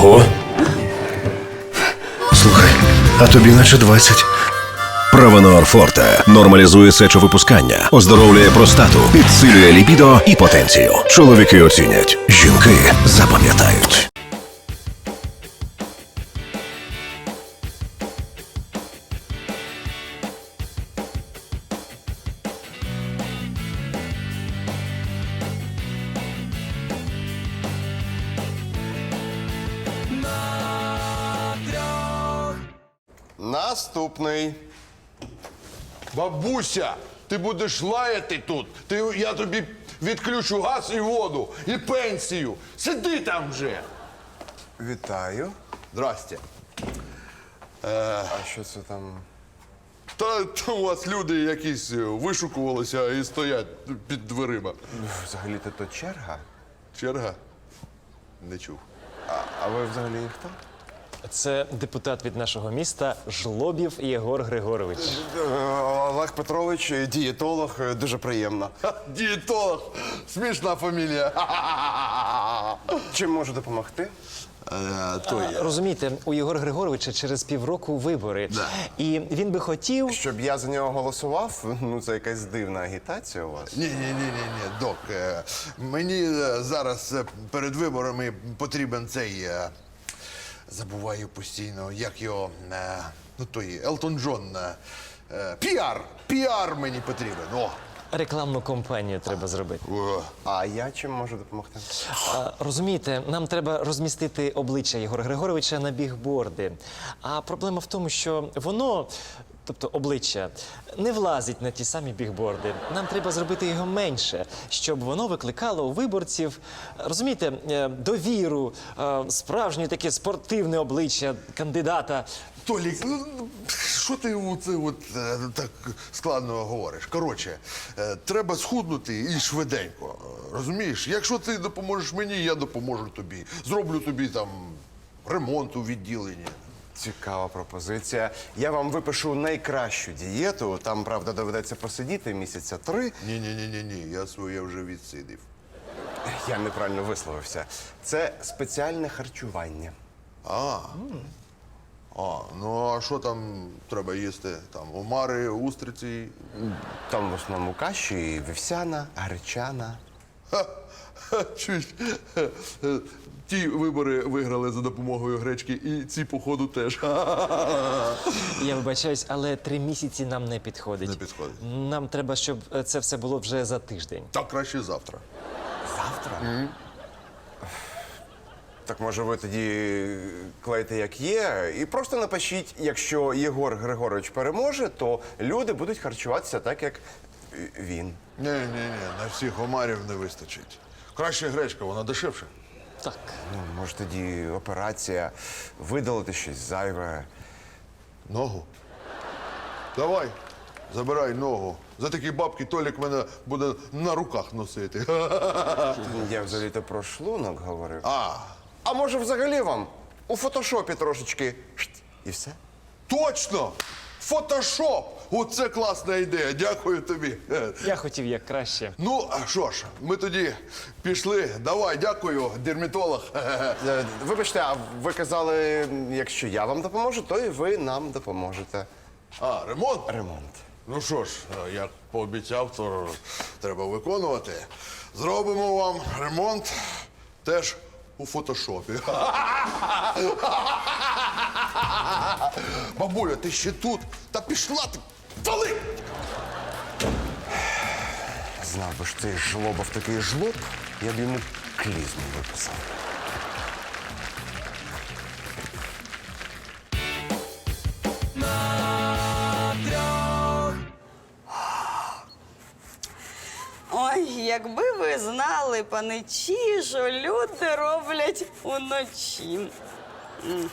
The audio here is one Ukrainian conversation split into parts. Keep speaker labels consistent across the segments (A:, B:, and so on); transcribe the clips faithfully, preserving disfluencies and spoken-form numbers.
A: Ого. Слухай, а тобі наче двадцять.
B: Правонор Форте нормалізує сечовипускання, оздоровлює простату, підсилює лібідо і потенцію. Чоловіки оцінять, жінки запам'ятають.
C: Наступний.
D: Бабуся, ти будеш лаяти тут. Ти, я тобі відключу газ і воду, і пенсію. Сиди там вже.
C: Вітаю.
D: Здрасте.
C: А що це там?
D: Та там у вас люди якісь вишукувалися і стоять під дверима.
C: Взагалі-то то черга.
D: Черга? Не чув.
C: А, а ви взагалі хто?
E: Це депутат від нашого міста Жлобів Єгор Григорович.
C: Е, Олег Петрович, дієтолог, е, дуже приємно.
D: Ха, дієтолог. Смішна фамілія.
C: Чим можу допомогти?
D: Е, то є.
E: Розумієте, у Єгора Григоровича через півроку вибори.
D: Да.
E: І він би хотів.
C: Щоб я за нього голосував? Ну, це якась дивна агітація у вас.
D: Ні, ні, ні, ні, ні, док. е, Мені е, зараз е, перед виборами потрібен цей. е, Забуваю постійно, як його. е, Ну той Елтон Джон. е, е, Піар! Піар мені потрібен. О!
E: Рекламну кампанію треба зробити.
D: О.
C: А я чим можу допомогти?
E: А, розумієте, нам треба розмістити обличчя Єгора Григоровича на бігборди. А проблема в тому, що воно, тобто обличчя, не влазить на ті самі бігборди. Нам треба зробити його менше, щоб воно викликало у виборців, розумієте, е, довіру, е, справжнє таке спортивне обличчя кандидата.
D: Толік, ну, що ти оце от е, так складно говориш? Коротше, е, треба схуднути і швиденько. Розумієш? Якщо ти допоможеш мені, я допоможу тобі. Зроблю тобі там ремонт у відділенні.
C: Цікава пропозиція. Я вам випишу найкращу дієту. Там, правда, доведеться посидіти місяця три.
D: Ні, ні, ні, ні, ні, я своє вже відсидів.
C: Я неправильно висловився. Це спеціальне харчування.
D: А. А, ну а що там треба їсти? Там омари, устриці.
C: Там в основному каші, вівсяна, гречана.
D: Ха, ха, чуєш? Е, е, Ті вибори виграли за допомогою гречки, і ці, походу, теж.
E: Я вибачаюсь, але три місяці нам не підходить.
D: Не підходить.
E: Нам треба, щоб е, це все було вже за тиждень.
D: Так краще завтра.
C: Завтра? Mm. Так може ви тоді клейте як є і просто напишіть, якщо Єгор Григорович переможе, то люди будуть харчуватися так, як він.
D: Ні, ні, ні, на всіх омарів не вистачить. Краще гречка, вона дешевша.
E: Так.
C: Ну, може тоді операція, видалити щось зайве.
D: Ногу? Давай, забирай ногу. За такі бабки Толік мене буде на руках носити.
C: Я взагалі-то про шлунок говорив.
D: А,
C: А може взагалі вам у фотошопі трошечки шт, і все?
D: точно! Фотошоп! Оце класна ідея, дякую тобі.
E: Я хотів як краще.
D: Ну, а що ж, ми тоді пішли. Давай, дякую, дерматолог.
C: Е, Вибачте, а ви казали, якщо я вам допоможу, то і ви нам допоможете.
D: А, ремонт?
C: Ремонт.
D: Ну що ж, як пообіцяв, то треба виконувати. Зробимо вам ремонт теж у фотошопі. Бабуля, ти ще тут? Та пішла ти! Вали!
C: Знав би ж цей жлобов такий жлоб, я б йому клізму виписав.
F: Ой, якби ви знали, паничі, що люди роблять уночі. М.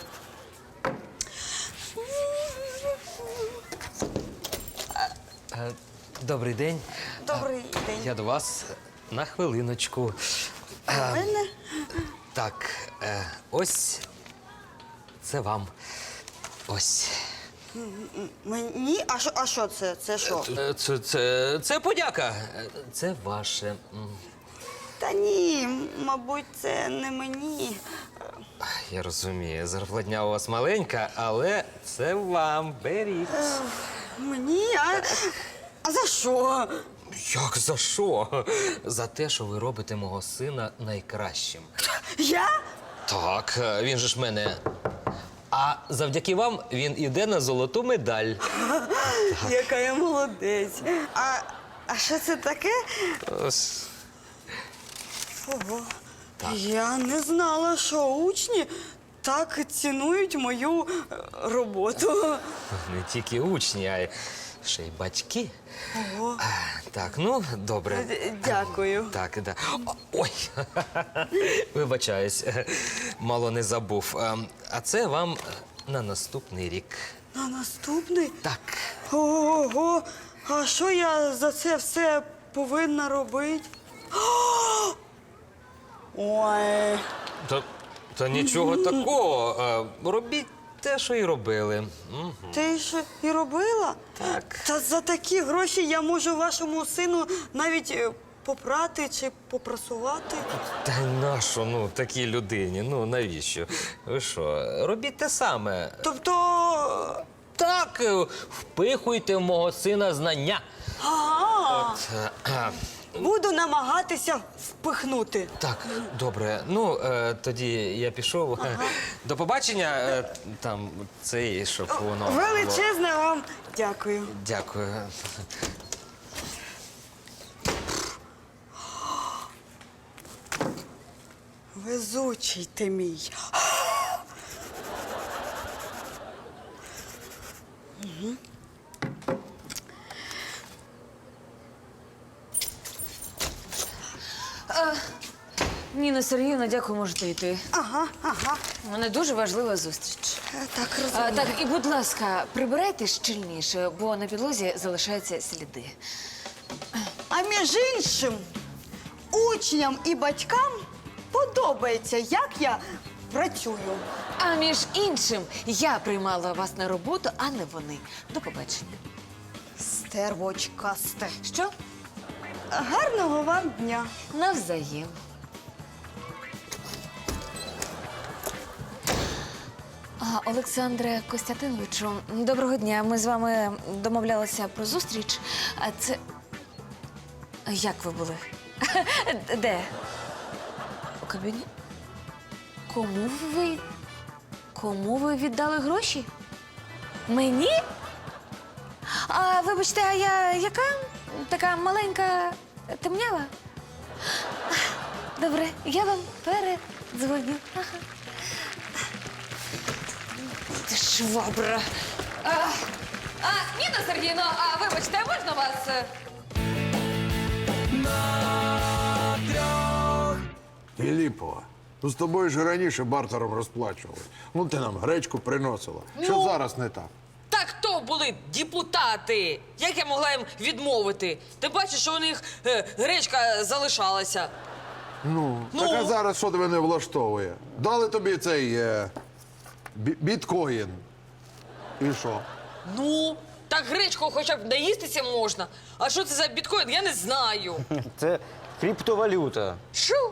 G: Добрий день.
F: Добрий день.
G: Я до вас на хвилиночку.
F: У мене?
G: Так, е, ось це вам. Ось.
F: Мені? А що, а що це? Це що?
G: Е, Це, це, це подяка. Е, Це ваше. М.
F: Та ні, мабуть, це не мені.
G: я розумію, зарплатня у вас маленька, але це вам. Беріть.
F: Мені? А, а за що?
G: Як за що? За те, що ви робите мого сина найкращим.
F: Я?
G: Так, він же ж мене. А завдяки вам він іде на золоту медаль.
F: Яка я молодець. А, а що це таке?
G: Ось.
F: Ого. Я не знала, що учні так цінують мою е, роботу.
G: Не тільки учні, а й ще й батьки.
F: Ого.
G: Так, ну, добре.
F: Д- Дякую.
G: Так, да. О, ой, вибачаюсь, мало не забув. Ем, А це вам на наступний рік.
F: На наступний?
G: Так.
F: Ого. А що я за це все повинна робити? Ой.
G: Та, та нічого такого. Е, Робіть те, що і робили. М.
F: Ти що і робила?
G: Так.
F: Та за такі гроші я можу вашому сину навіть е, попрати чи попрасувати.
G: Та й нащо, ну, такій людині? Ну, навіщо? Ви що, робіть те саме.
F: Тобто.
G: Так, е, впихуйте в мого сина знання.
F: Ага.
G: Е, е,
F: Буду намагатися впихнути.
G: Так, добре. Ну, е, тоді я пішов. До побачення. Е, там цей, щоб воно. було.
F: Величезне вам дякую.
G: Дякую.
F: Везучий ти мій.
H: Ніна Сергіївна, дякую, можете йти.
F: Ага, ага.
H: У мене дуже важлива зустріч.
F: Е, Так
H: А,
F: розумію.
H: так, і будь ласка, прибирайте щільніше, бо на підлозі залишаються сліди.
F: А між іншим, учням і батькам подобається, як я працюю.
H: А між іншим, я приймала вас на роботу, а не вони. До побачення.
F: Стервочкасте.
H: Що?
F: Гарного вам дня.
H: Навзаєм. А, Олександре Костянтиновичу, доброго дня. Ми з вами домовлялися про зустріч. А це. Як ви були? Де? У кабіні? Кому ви. Кому ви віддали гроші? Мені? А вибачте, а я яка? Така маленька темнява? Добре, я вам передзвоню. Ага. Ти швабра. А, а, Ніна Сергійовна, а вибачте, а можна вас? е,
D: Філіпова, ну з тобою ж раніше бартером розплачували. Ну ти нам гречку приносила. Що
I: Ну.
D: зараз не так?
I: Так то були депутати. Як я могла їм відмовити? Ти бачиш, що у них е, гречка залишалася.
D: Ну,
I: Ну?
D: так а зараз що тебе не влаштовує? Дали тобі цей е, бі- біткоін. І що?
I: Ну, так гречку хоча б наїстися можна. А що це за біткоін, я не знаю.
J: Це криптовалюта,
I: Що?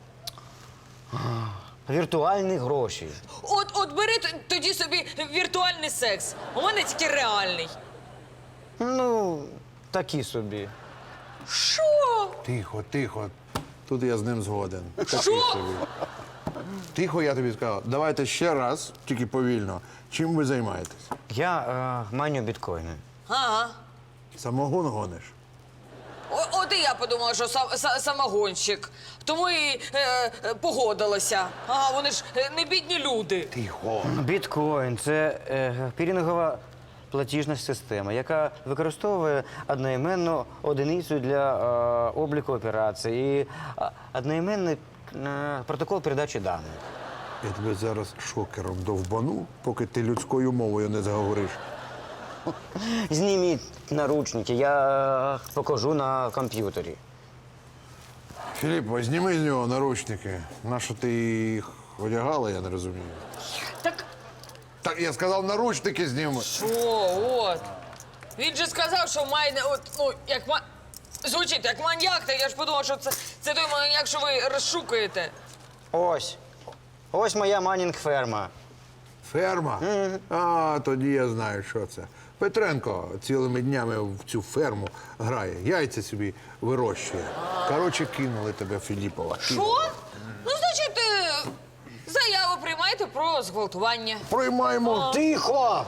J: віртуальні гроші.
I: От, от бери т- тоді собі віртуальний секс. У мене тільки реальний.
J: Ну, такі собі.
I: Що?
D: Тихо, тихо. Тут я з ним згоден. Такий
I: Що?
D: собі. Тихо, я тобі сказав. Давайте ще раз, тільки повільно. Чим ви займаєтесь?
J: Я е, маню біткоїни.
I: Ага.
D: Самогон гониш?
I: О, от і я подумала, що сам, са- самогонщик. Тому і е, е, погодилася. Ага, вони ж е, не бідні люди.
D: Тихо.
J: Біткоін це е, пірінгова платіжна система, яка використовує одноіменну одиницю для е, обліку операцій і е, одноіменний е, протокол передачі даних.
D: Я тебе зараз шокером довбану, поки ти людською мовою не заговориш.
J: Зніміть наручники, я е, покажу на комп'ютері.
D: Філіп, зніми з нього наручники. Нащо ти їх одягала, я не розумію.
I: Так
D: Так, я сказав, наручники зніми.
I: що, от. Він же сказав, що має, не- от, ну, як ма... Звучить, як маньяк, так я ж подумав, що це, це той маньяк, що ви розшукуєте.
J: Ось. Ось моя манінг-ферма.
D: Ферма? А, тоді я знаю, що це. Петренко цілими днями в цю ферму грає, яйця собі вирощує. Коротше, кинули тебе, Філіпова.
I: Що? Ну, значить, е, заяву приймайте про зґвалтування.
D: Приймаємо.
J: Тихо!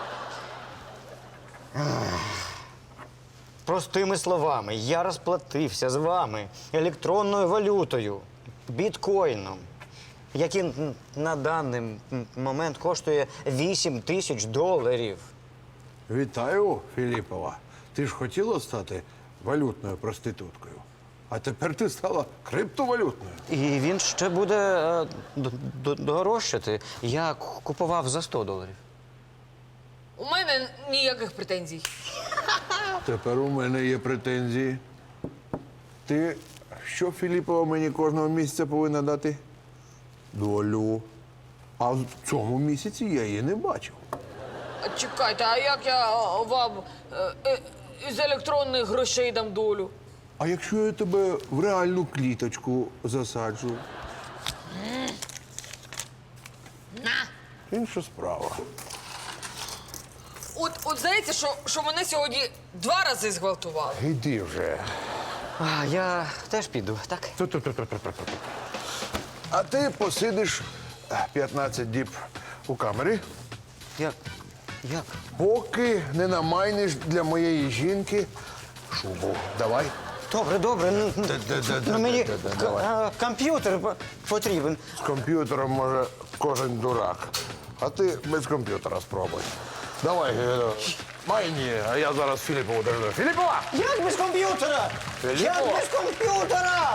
J: Простими словами, я розплатився з вами електронною валютою, біткоїном, який н- на даний м- момент коштує вісім тисяч доларів.
D: Вітаю, Філіпова. Ти ж хотіла стати валютною проституткою. А тепер ти стала криптовалютною.
J: І він ще буде е, д- д- дорожчати. Я к- купував за сто доларів.
I: У мене ніяких претензій.
D: Тепер у мене є претензії. Ти що, Філіпова, мені кожного місяця повинна дати? Долю. А в цьому місяці я її не бачив.
I: А чекайте, а як я е, вам е, е, із електронних грошей дам долю?
D: А якщо я тебе в реальну кліточку засаджу? Інша справа.
I: От, от здається, що, що мене сьогодні два рази зґвалтували.
D: Іди вже.
J: А, я теж піду, так?
D: А ти посидиш е, п'ятнадцять діб у камері,
J: Як? Як?
D: поки не намайниш для моєї жінки шубу. Давай.
J: Добре, добре. Ну, ну,
D: Да-да-да-да-да-да,
J: ну, мені
D: давай.
J: к- а, комп'ютер по- потрібен.
D: З комп'ютером може кожен дурак. А ти без комп'ютера спробуй. Давай, е, майні, а я зараз Філіпову дожду. Філіпова!
J: Як без комп'ютера?
D: Філіппо!
J: Як без комп'ютера?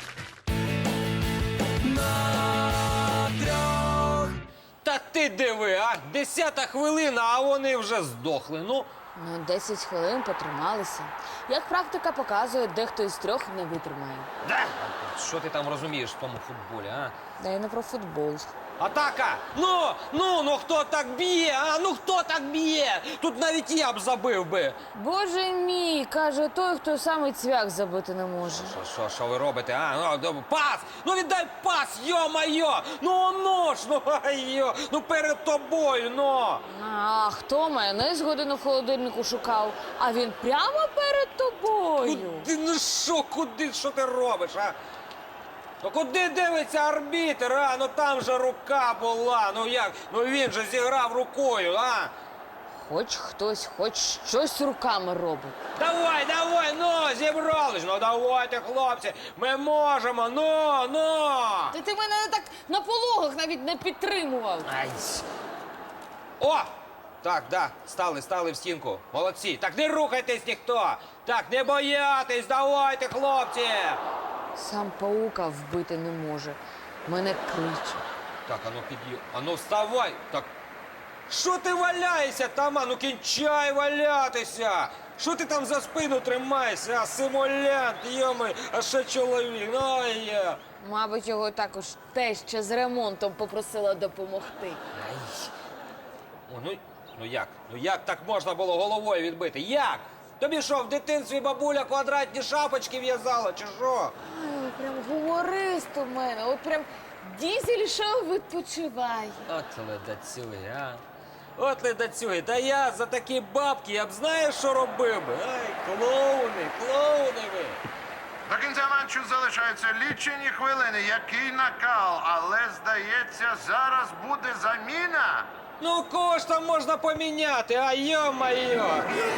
G: Та ти диви, а? Десята хвилина, а вони вже здохли. Ну,
H: Ну, десять хвилин потрималися. Як практика показує, дехто із трьох не витримає.
G: да? Що ти там розумієш в тому футболі, а?
H: Да й не про футбол.
G: Атака! Ну, ну, ну хто так б'є? А ну хто так б'є? Тут навіть я б забив би.
H: Боже мій, каже той, хто саме цвях забити не може.
G: Що, що, що ви робите? А, ну, доб- пас! Ну віддай пас, йо-майо! Ну, ну ж, ну, айо! Ну перед тобою, ну!
H: А хто майонез годину в холодильнику шукав, а він прямо перед тобою.
G: Куди, ну що, куди, що ти робиш, а? Ну куди дивиться арбітр, а? Ну там же рука була, ну як? Ну він же зіграв рукою, а?
H: Хоч хтось, хоч щось руками робить.
G: Давай, давай, ну, зібрались, ну давайте, хлопці, ми можемо, ну, ну!
H: Та ти мене так на пологах навіть не підтримував.
G: Ай. О! Так, да, стали, стали в стінку. Молодці. Так не рухайтесь ніхто. Так, не боятись, давайте, хлопці.
H: Сам паука вбити не може. Мене кричить.
G: Так, ану під'їв. Ану вставай. Так. Що ти валяєшся там? Ану кінчай валятися. Що ти там за спину тримаєшся? А симулянт, йоми, а ще чоловік. Ну, є.
H: Мабуть, його також теща з ремонтом попросила допомогти.
G: Ай. О, ну, ну як? Ну як так можна було головою відбити? Як? Тобі що, в дитинстві бабуля квадратні шапочки в'язала, чи що?
H: Ай, прям гуморист у мене. От прям дізель шоу відпочиває.
G: От ледацюги, а? От ледацюги. Та я за такі бабки, я б знаєш, що робив би? Ай, клоуни, клоуни ви.
A: До кінця матчу залишаються лічені хвилини. Який накал, але здається, зараз буде заміна.
G: Ну, кого ж там можна поміняти, а йо-майо?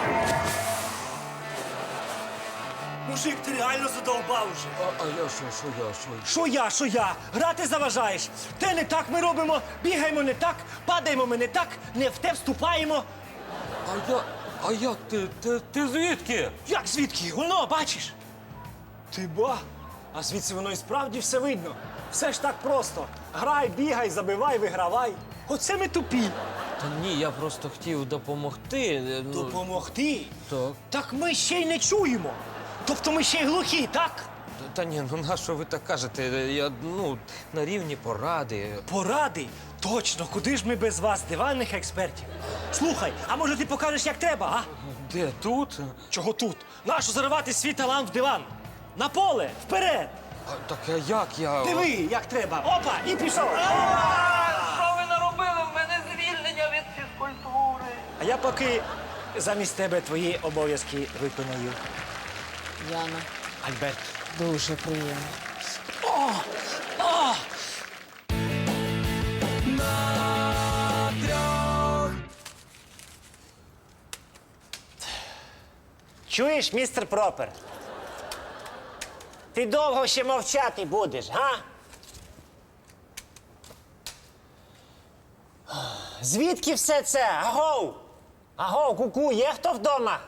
K: Мужик, ти реально задовбав вже.
G: А, а я що, що я, що я?
K: Що я, що я? Грати заважаєш. Те не так ми робимо, бігаємо не так, падаємо ми не так, не в те вступаємо.
G: А я, а як ти, ти, ти звідки?
K: Як звідки? Воно, бачиш? Ти ба. А звідси воно і справді все видно. Все ж так просто. Грай, бігай, забивай, вигравай. Оце ми тупі.
G: Та ні, я просто хотів допомогти. е, Ну,
K: Допомогти?
G: так.
K: Так ми ще й не чуємо. Тобто ми ще й глухі, так?
G: Та- Та ні, ну на що ви так кажете? Я, ну, на рівні поради.
K: Поради? Точно, куди ж ми без вас, диванних експертів? Слухай, а може ти покажеш, як треба, а?
G: Де, тут?
K: Чого тут? Нащо заривати свій талант в диван? На поле, вперед!
G: А, так а як я.
K: Диви, як треба. Опа, і пішов.
I: Що ви наробили? В мене звільнення від фізкультури.
K: А я поки замість тебе твої обов'язки виконаю.
I: Яна.
K: Альберт.
I: Дуже приємно.
K: Чуєш, містер Пропер? Ти довго ще мовчати будеш, га? Звідки все це? Агоу! Агоу, куку, є хто вдома?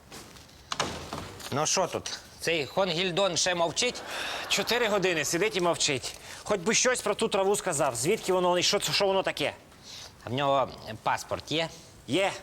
G: Ну що тут? Цей Хонгільдон ще мовчить?
K: Чотири години сидить і мовчить. Хоч би щось про ту траву сказав. Звідки воно і що, це- що воно таке?
G: А в нього паспорт є?
K: Є.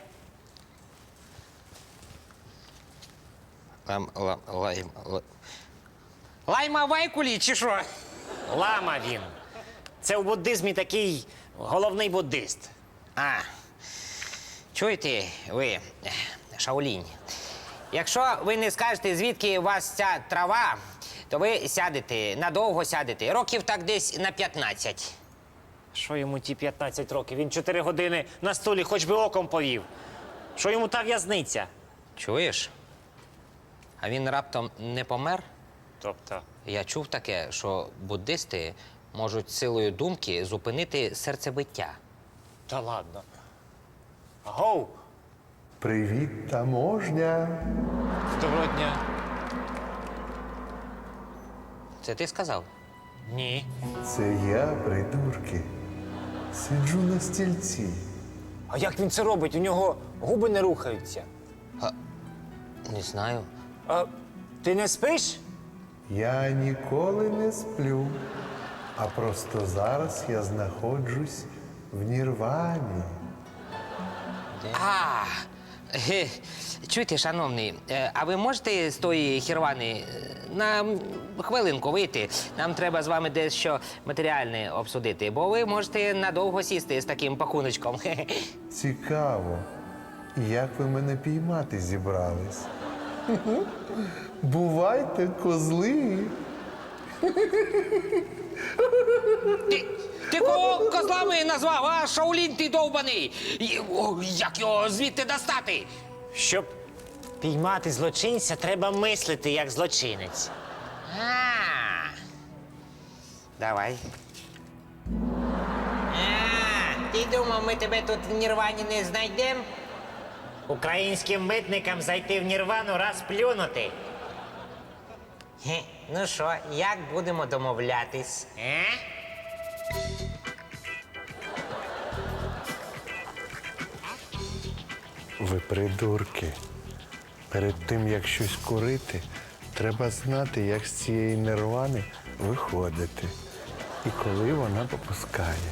G: Лам, лам, лайм, лайм. Лайма Вайкулі чи що?
K: Лама він. Це в буддизмі такий головний буддист.
G: А, чуєте ви, Шаолінь? Якщо ви не скажете, звідки у вас ця трава, то ви сядете, надовго сядете, років так десь на п'ятнадцять.
K: Що йому ті п'ятнадцять років? Він чотири години на столі хоч би оком повів. Що йому та в'язниця?
G: Чуєш? А він раптом не помер?
K: Тобто,
G: Я чув таке, що буддисти можуть силою думки зупинити серцебиття.
K: та ладно. Агоу!
L: Привіт, таможня.
K: Доброго дня.
G: Це ти сказав?
K: Ні.
L: Це я, придурки. Сиджу на стільці.
K: А як він це робить? У нього губи не рухаються.
G: Не знаю.
K: А ти не спиш?
L: Я ніколи не сплю. А просто зараз я знаходжусь в Нірвані.
G: А, ге, чуєте, шановний, е, а ви можете з тої хірвани е, на м, хвилинку вийти? Нам треба з вами дещо матеріальне обсудити, бо ви можете надовго сісти з таким пакуночком. Хе-хе.
L: Цікаво. Як ви мене піймати зібрались? Бувайте, козли.
G: Ти, ти кого козлами назвав, а Шаолінь ти довбаний? І, о, як його звідти достати?
K: Щоб піймати злочинця, треба мислити як злочинець.
G: А, давай. А, ти думав, ми тебе тут в Нірвані не знайдемо?
K: Українським митникам зайти в Нірвану раз плюнути.
G: Хе, ну що, як будемо домовлятись? Е?
L: Ви придурки. Перед тим, як щось курити, треба знати, як з цієї нірвани виходити. І коли вона попускає.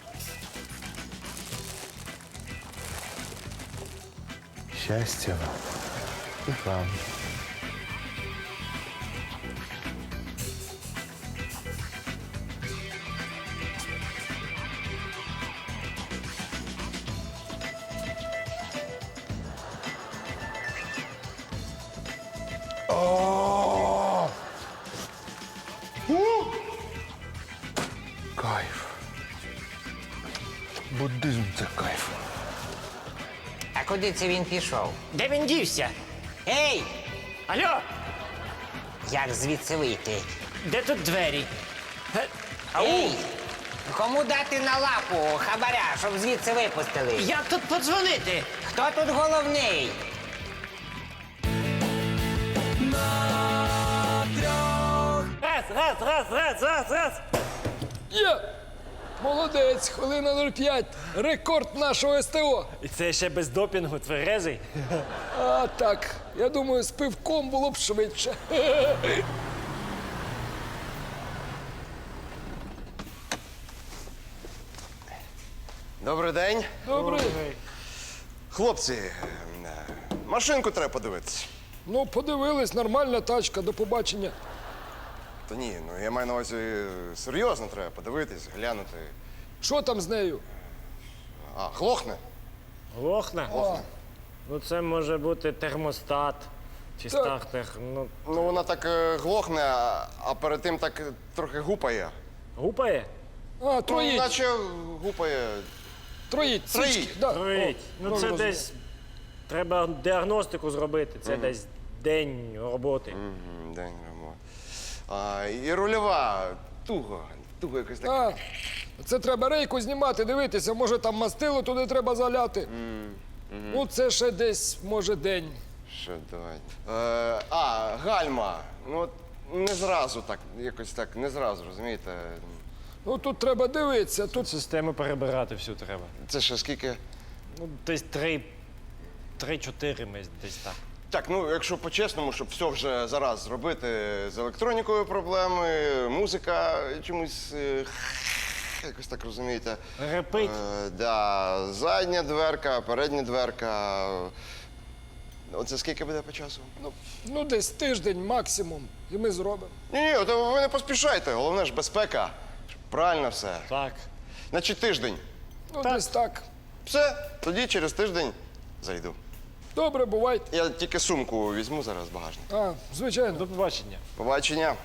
L: Щастя вам і вам. О! У! Кайф. Буддизм це кайф.
G: А куди це він пішов?
K: Де він дівся?
G: Ей!
K: Алло,
G: Як звідси вийти?
K: де тут двері? Е, Ау!
G: Ей! Кому дати на лапу хабаря, щоб звідси випустили?
K: Як тут подзвонити?
G: Хто тут головний?
K: Раз, раз, раз, раз, раз, раз.
M: Є! Молодець, хвилина нуль п'ять. Рекорд нашого СТО.
K: І це ще без допінгу, тверезий.
M: А так, я думаю, з пивком було б швидше.
C: Добрий день.
M: Добре.
C: Хлопці, е, машинку треба подивитися.
M: Ну, подивились, нормальна тачка, до побачення.
C: Та ні, ну я маю на увазі е, серйозно треба подивитись, глянути.
M: Що там з нею?
C: А, глохне?
K: Глохне?
C: Глохне.
K: Ну це може бути термостат,
E: Чи
M: Так.
E: стартер? Ну,
C: Ну, вона так е, глохне, а, а перед тим так е, трохи гупає.
E: гупає?
M: А,
C: Ну,
M: троїть,
C: наче гупає.
M: троїть,
C: Троїть.
M: свічки. Да.
E: Троїть.
M: О,
E: Ну, це
M: розумію.
E: десь треба діагностику зробити. Це десь день роботи.
C: Мгм, День ремонт. А, і рульова туго, туго якось так.
M: А, це треба рейку знімати, дивитися, може там мастило туди треба заляти. Ну, це ще десь, може, день.
C: Що, давай. Е, а, гальма. Ну, от не зразу так, якось так, не зразу, розумієте?
M: Ну, тут треба дивитися, тут
E: Систему перебирати всю треба.
C: Це ще скільки?
E: Ну, десь три, три-чотири ми десь так.
C: Так, ну якщо по-чесному, щоб все вже зараз зробити з електронікою проблеми, музика чомусь е, якось так розумієте.
E: Репить.
C: Е, да, задня дверка, передня дверка. Оце скільки буде по часу?
M: ну, ну, десь тиждень максимум, і ми зробимо.
C: Ні, ні, то ви не поспішайте. Головне ж безпека. Щоб правильно все.
E: Так.
C: Значить, тиждень.
M: Ну, десь так.
C: Все, тоді через тиждень зайду.
M: Добре, бувайте.
C: Я тільки сумку візьму зараз з багажника.
M: А, звичайно.
E: До побачення.
C: Побачення.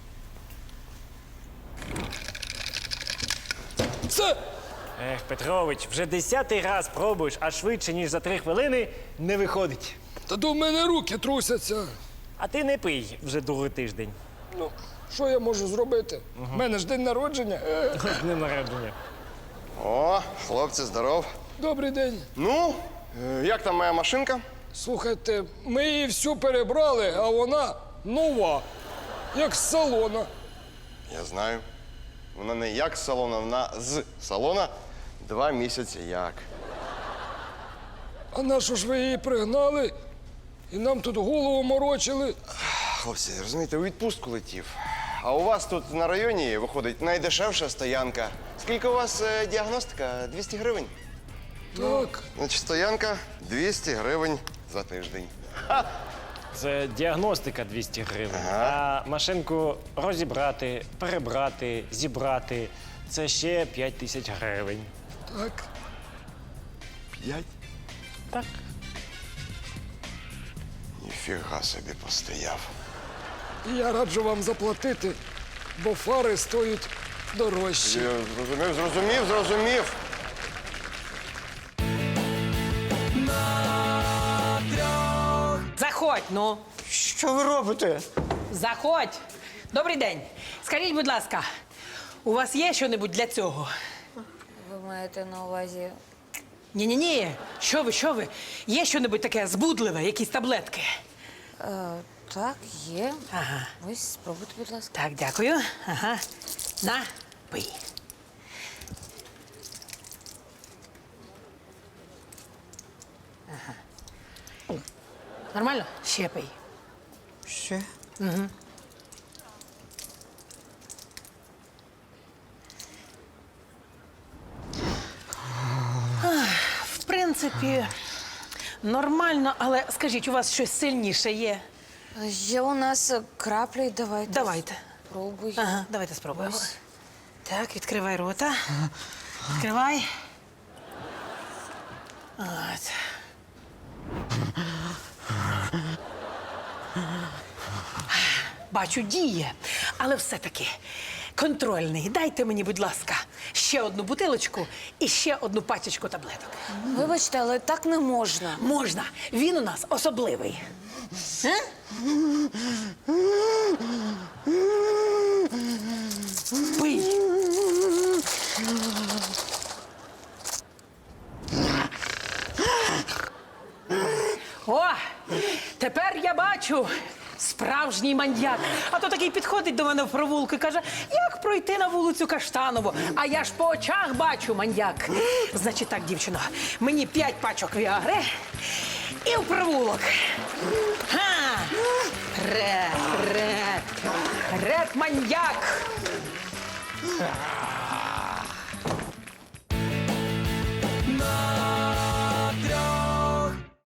M: Все!
E: Ех, Петрович, вже десятий раз пробуєш, а швидше, ніж за три хвилини, не виходить.
M: Та то в мене руки трусяться.
E: А ти не пий вже другий тиждень.
M: Ну, що я можу зробити? У мене ж день народження. Е,
E: З днем народження.
C: О, хлопці, здоров.
M: Добрий день.
C: Ну, е, як там моя машинка?
M: Слухайте, ми її всю перебрали, а вона нова, як з салона.
C: Я знаю. Вона не як з салона, вона з салона. Два місяці як.
M: А на що ж ви її пригнали? І нам тут голову морочили.
C: Хлопці, розумієте, у відпустку летів. А у вас тут на районі виходить найдешевша стоянка. Скільки у вас е, діагностика? двісті гривень?
M: Так.
C: Значить, стоянка двісті гривень за тиждень.
E: Це діагностика двісті гривень. А машинку розібрати, перебрати, зібрати – це ще п'ять тисяч гривень.
M: Так.
C: П'ять?
E: Так.
C: Ніфіга собі постояв.
M: І я раджу вам заплатити, бо фари стоять дорожче.
C: Я зрозумів, зрозумів, зрозумів.
N: Заходь, ну.
F: Що ви робите?
N: Заходь. Добрий день. Скажіть, будь ласка, у вас є щось для цього?
I: Ви маєте на увазі.
N: Ні-ні-ні. Що ви, що ви? Є щось таке збудливе, якісь таблетки?
I: Е, так, є.
N: Ага.
I: Ось, спробуйте, будь ласка.
N: Так, дякую. Ага. На, пий. Ага. Нормально? Ще пий.
F: Ще?
N: В принципі, нормально, але скажіть, у вас щось сильніше є?
I: Є у нас краплі, давайте.
N: Давайте.
I: Пробуй.
N: Ага, давайте спробуємо.
I: Ось.
N: Так, відкривай рота. Відкривай. От. Бачу, діє, але все-таки контрольний. Дайте мені, будь ласка, ще одну бутилочку і ще одну пачечку таблеток.
I: Вибачте, але так не можна.
N: Можна. Він у нас особливий. Е? Пий. О, тепер я бачу справжній маньяк. А то такий підходить до мене в провулку і каже, як пройти на вулицю Каштанову. А я ж по очах бачу маньяк. Значить так, дівчино, мені п'ять пачок віагри і в провулок. Ха! Реп, реп, реп маньяк.